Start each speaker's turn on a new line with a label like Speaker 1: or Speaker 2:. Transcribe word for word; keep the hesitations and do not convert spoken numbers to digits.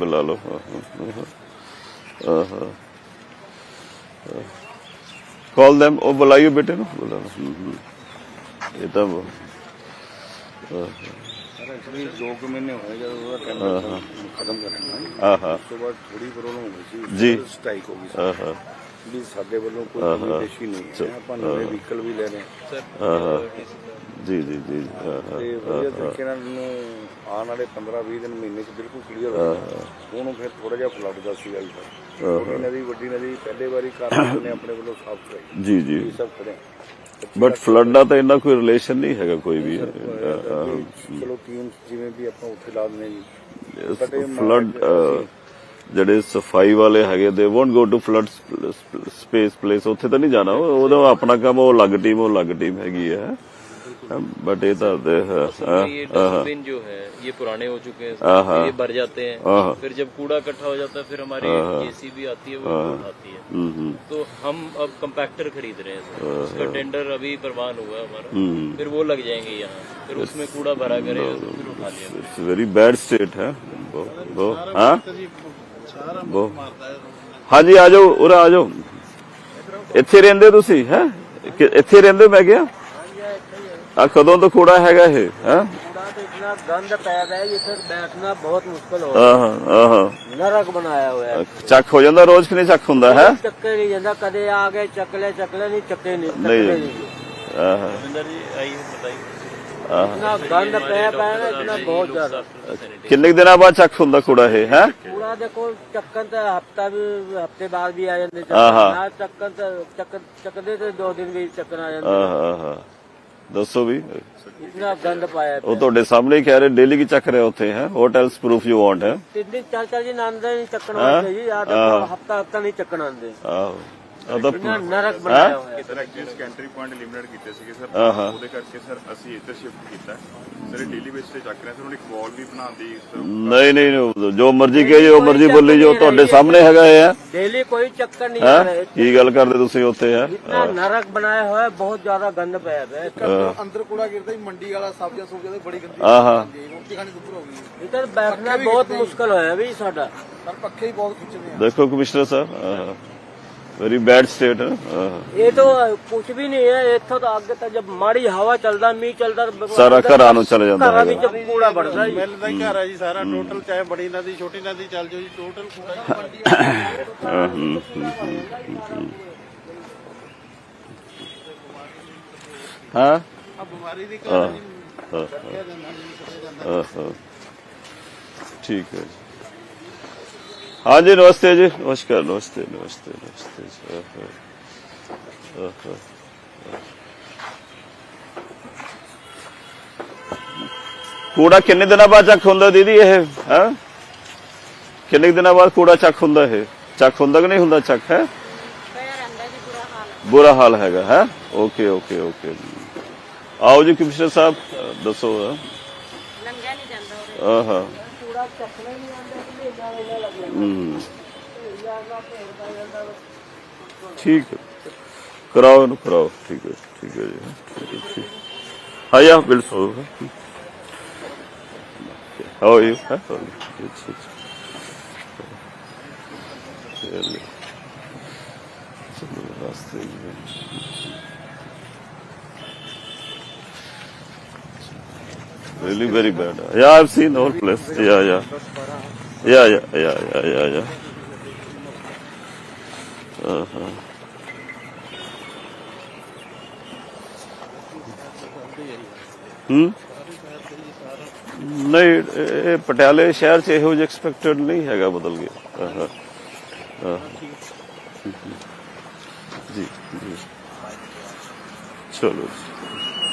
Speaker 1: बुला लो। Call them, वो बुलाइयो बेटे नु, बुला लो। ये तो
Speaker 2: एक्चुअली दो कुछ महीने होए जब वो टेंडर खत्म करना
Speaker 1: हाँ
Speaker 2: ਉਸ ਤੋਂ ਬਾਅਦ ਥੋੜੀ ਪ੍ਰੋਬਲਮ ਹੋ ਗਈ
Speaker 1: जी
Speaker 2: ਸੀ, ਸਟ੍ਰਾਈਕ ਹੋ ਗਈ ਸੀ
Speaker 1: हाँ
Speaker 2: ਵੀ ਸਾਡੇ ਵੱਲੋਂ ਕੋਈ ਲਿਮਿਟੇਸ਼ਨ ਨਹੀਂ ਹੈ, ਆਪਾਂ ਨਵੇਂ ਵਹੀਕਲ ਵੀ ਲੈ ਰਹੇ
Speaker 1: हाँ जी जी जी हाँ हाँ
Speaker 2: ਤੇ ਵਧੀਆ ਤਰੀਕੇ ਨਾਲ ਨੂੰ ਆਉਣ ਵਾਲੇ ਪੰਦਰਾਂ ਵੀਹ ਦਿਨ ਮਹੀਨੇ ਚ ਬਿਲਕੁਲ ਕਲੀਅਰ ਹੋ ਜਾਣਾ। ਹੁਣ ਫਿਰ ਥੋੜਾ ਜਿਹਾ ਫਲੱਡ ਦਾ ਸੀਗਾ ਜੀ, ਛੋਟੀ ਨਦੀ ਵੱਡੀ ਨਦੀ ਪਹਿਲੇ ਵਾਰੀ ਕਾਰਨ ਨੇ ਆਪਣੇ ਵੱਲੋਂ ਸਾਫ਼ ਕਰਾਈ
Speaker 1: जी जी।
Speaker 2: ਇਹ ਸਭ ਕਰੇ
Speaker 1: ਬਟ ਫਲੱਡ ਦਾ ਤਾਂ ਇੰਨਾ ਕੋਈ ਰਿਲੇਸ਼ਨ ਨਹੀਂ ਹੈਗਾ ਕੋਈ ਵੀ।
Speaker 2: ਚਲੋ ਟੀਮ ਜਿਵੇਂ ਵੀ ਆਪਾਂ ਉੱਥੇ ਲਾ ਦਿੰਦੇ ਜੀ
Speaker 1: ਫਲੱਡ ਜਿਹੜੇ ਸਫਾਈ ਵਾਲੇ ਹੈਗੇ ਦੇ won't go to flood space place, ਉੱਥੇ ਤਾਂ ਨਹੀਂ ਜਾਣਾ, ਉਹਦਾ ਆਪਣਾ ਕੰਮ, ਉਹ ਅਲੱਗ ਟੀਮ ਉਹ ਅਲੱਗ ਟੀਮ ਹੈਗੀ ਹੈ। बट ये तो
Speaker 3: ये डस्टबिन जो है ये पुराने हो चुके हैं, ये भर जाते हैं, फिर जब कूड़ा इकट्ठा हो जाता है फिर हमारी जेसीबी आती है वो उठाती है। तो हम अब कंपैक्टर खरीद रहे हैं सर, उसका टेंडर अभी प्रवान हुआ है हमारा, फिर वो लग जाएंगे यहाँ, फिर उसमें कूड़ा भरा करे फिर उठा लिया।
Speaker 1: इट्स वेरी बैड स्टेट है वो वो हाँ वो हाँ जी आ जाओ उरा आ जाओ, ਇੱਥੇ ਰਹਿੰਦੇ ਤੁਸੀਂ ਹੈ, ਇੱਥੇ ਰਹਿੰਦੇ ਮੈਂ ਕਿਹਾ ਆ ਕਦੋਂ ਤੋਂ ਕੂੜਾ ਹੈਗਾ ਇਹ ਹੈ?
Speaker 4: कूड़ा तो इतना गंद पैदा है, ये फिर बैठना बहुत मुश्किल हो
Speaker 1: ਆਹ ਆਹ
Speaker 4: नरक बनाया हुआ है।
Speaker 1: ਚੱਕ ਹੋ ਜਾਂਦਾ ਰੋਜ਼ ਕਿ ਨਹੀਂ ਚੱਕ ਹੁੰਦਾ ਹੈ?
Speaker 4: चक्के नहीं जाता, कदे आ गए चकले चकले नहीं चक्के नहीं
Speaker 1: नहीं।
Speaker 4: चकले नहीं।
Speaker 1: ਆਹ
Speaker 3: जी आइए बताइए।
Speaker 4: इतना गंद पैदा है ना, इतना बहुत ज्यादा।
Speaker 1: ਕਿੰਨੇ ਕੁ ਦਿਨਾਂ ਬਾਅਦ ਚੱਕ ਹੁੰਦਾ ਕੂੜਾ ਇਹ ਹੈ?
Speaker 4: कूड़ा देखो चक्कन तो हफ्ता भी हफ्ते बाद भी आ जाते,
Speaker 1: हाँ।
Speaker 4: चक्कन तो चक्कर चकदे तो दो दिन भी चक्कर आ जाते।
Speaker 1: ਆਹ ਆਹ ਦੱਸੋ ਵੀ,
Speaker 4: इतना गंद पाया
Speaker 1: ਉਹ ਤੁਹਾਡੇ ਸਾਹਮਣੇ ਹੀ ਕਹਿ ਰਹੇ ਡੇਲੀ ਕੀ ਚੱਕ ਰਹੇ ਉੱਥੇ ਹੈ? What else proof you want है?
Speaker 4: तीन दिन चार चार दिन आंदे नहीं चक्कन आते जी, यार देखो हफ्ता हफ्ता नहीं चक्कन आंदे,
Speaker 1: ਆਹੋ ਉਹਦਾ
Speaker 4: इतना नरक बनाया हुआ है।
Speaker 5: ਸਰ ਐਕਚੁਅਲੀ ਸਕੈਂਟਰੀ ਪੁਆਇੰਟ ਲਿਮਿਟਡ ਕੀਤੇ ਸੀਗੇ ਸਰ,
Speaker 1: ਆਹਾ।
Speaker 5: ਉਹਦੇ ਕਰਕੇ ਸਰ ਅਸੀਂ ਇੱਧਰ ਸ਼ਿਫਟ ਕੀਤਾ ਸਰ, ਡੇਲੀ ਬੇਸ ਤੇ ਚੱਕ ਰਹੇ ਸਰ, ਹੁਣ ਇੱਕ ਵਾਲ ਵੀ ਬਣਾਉਂਦੀ ਸਰ।
Speaker 1: ਨਹੀਂ ਨਹੀਂ ਜੋ ਮਰਜ਼ੀ ਕਹੇ ਜੋ ਮਰਜ਼ੀ ਬੋਲੀ ਜੋ ਤੁਹਾਡੇ ਸਾਹਮਣੇ ਹੈਗਾ ਇਹ ਹੈ
Speaker 4: डेली कोई चक्कर नहीं आ रहा है,
Speaker 1: ਕੀ ਗੱਲ ਕਰਦੇ ਤੁਸੀਂ ਉੱਥੇ ਹੈ?
Speaker 4: इतना नरक बनाया हुआ है, बहुत ज्यादा गंद पाया हुआ है।
Speaker 6: ਅੰਦਰ ਕੂੜਾ ਗਿਰਦਾ ਹੀ ਮੰਡੀ ਵਾਲਾ, ਸਬਜ਼ੀਆਂ ਸੁਬਜ਼ੀਆਂ ਤੇ ਬੜੀ ਗੰਦੀ
Speaker 1: ਆਹਾ
Speaker 6: ਰੋਟੀ ਖਾਣੀ ਦੁੱਪਰ ਹੋ ਗਈ
Speaker 4: इधर बैठना बहुत मुश्किल होया भी साडा।
Speaker 6: ਪਰ ਪੱਖੇ ਹੀ ਬਹੁਤ ਖਿੱਚਦੇ ਆ।
Speaker 1: ਦੇਖੋ ਕਮਿਸ਼ਨਰ ਸਾਹਿਬ वेरी बैड स्टेट है।
Speaker 4: ये तो कुछ भी नहीं है, इतो तो आगे तक जब माड़ी हवा चलता मीह चलता
Speaker 1: सारा घरां नूं चले जांदा
Speaker 4: घरां
Speaker 1: है।
Speaker 4: विच कूड़ा बढ़दा जी।
Speaker 6: ਮਿਲਦਾ ਹੀ ਘਰ ਆ ਜੀ ਸਾਰਾ ਟੋਟਲ, ਚਾਹੇ ਬੜੀ ਨਦੀ ਛੋਟੀ ਨਦੀ ਚੱਲ ਜਾਓ ਜੀ, ਟੋਟਲ ਕੂੜਾ ਹੀ ਮੰਡੀ ਆ।
Speaker 1: हाँ, हम्म, हम्म, हम्म, हम्म। हाँ
Speaker 6: ਆ ਬਿਮਾਰੀ ਦੀ
Speaker 1: हाँ,
Speaker 6: ਘਰ
Speaker 1: हाँ, हाँ, हाँ, ठीक है। हाँ जी नमस्ते जी, नमस्कार, नमस्ते नमस्ते नमस्ते जी। हाँ, हाँ, हाँ, हाँ। ਕੂੜਾ ਕਿੰਨੇ ਦਿਨਾਂ ਬਾਅਦ ਚੱਕ ਹੁੰਦਾ ਦੀਦੀ ਇਹ ਹੈ? ਕਿੰਨੇ ਦਿਨਾਂ ਬਾਅਦ ਕੂੜਾ ਚੱਕ ਹੁੰਦਾ ਇਹ? ਚੱਕ ਹੁੰਦਾ ਕਿ ਨਹੀਂ ਹੁੰਦਾ ਚੱਕ ਹੈ? ਬੁਰਾ ਹਾਲ ਹੈਗਾ ਹੈ। ਓਕੇ ਓਕੇ ਓਕੇ ਆਓ ਜੀ ਕਮਿਸ਼ਨਰ ਸਾਹਿਬ ਦੱਸੋ।
Speaker 7: ਲੰਘਿਆ ਨਹੀਂ ਜਾਂਦਾ
Speaker 1: ਹਾਂ ਹਾਂ
Speaker 4: कूड़ा चकना नहीं आंदा, इतना इतना लग जाता
Speaker 1: ਹੂੰ
Speaker 4: है।
Speaker 1: ਠੀਕ ਹੈ ਕਰਾਓ ਇਹਨੂੰ ਕਰਾਓ। ਠੀਕ ਹੈ ਠੀਕ ਹੈ ਜੀ ਠੀਕ ਹੈ ਠੀਕ। ਆਇਆ ਬਿਲਕੁਲ how are you? It's it's ਚਲੋ ਚਲੋ ਰਾਸਤੇ really very bad. Yeah, I've seen the whole place. Yeah, yeah. Yeah, yeah, yeah, yeah, yeah, yeah. Uh-huh. Hmm? ਨਹੀਂ ਇਹ ਪਟਿਆਲੇ ਸ਼ਹਿਰ ਚ ਇਹੋ ਜਿਹਾ ਐਕਸਪੈਕਟਡ ਨਹੀਂ ਹੈਗਾ, ਬਦਲ ਗਿਆ। ਹਾਂ ਹਾਂ ਜੀ ਜੀ ਚਲੋ।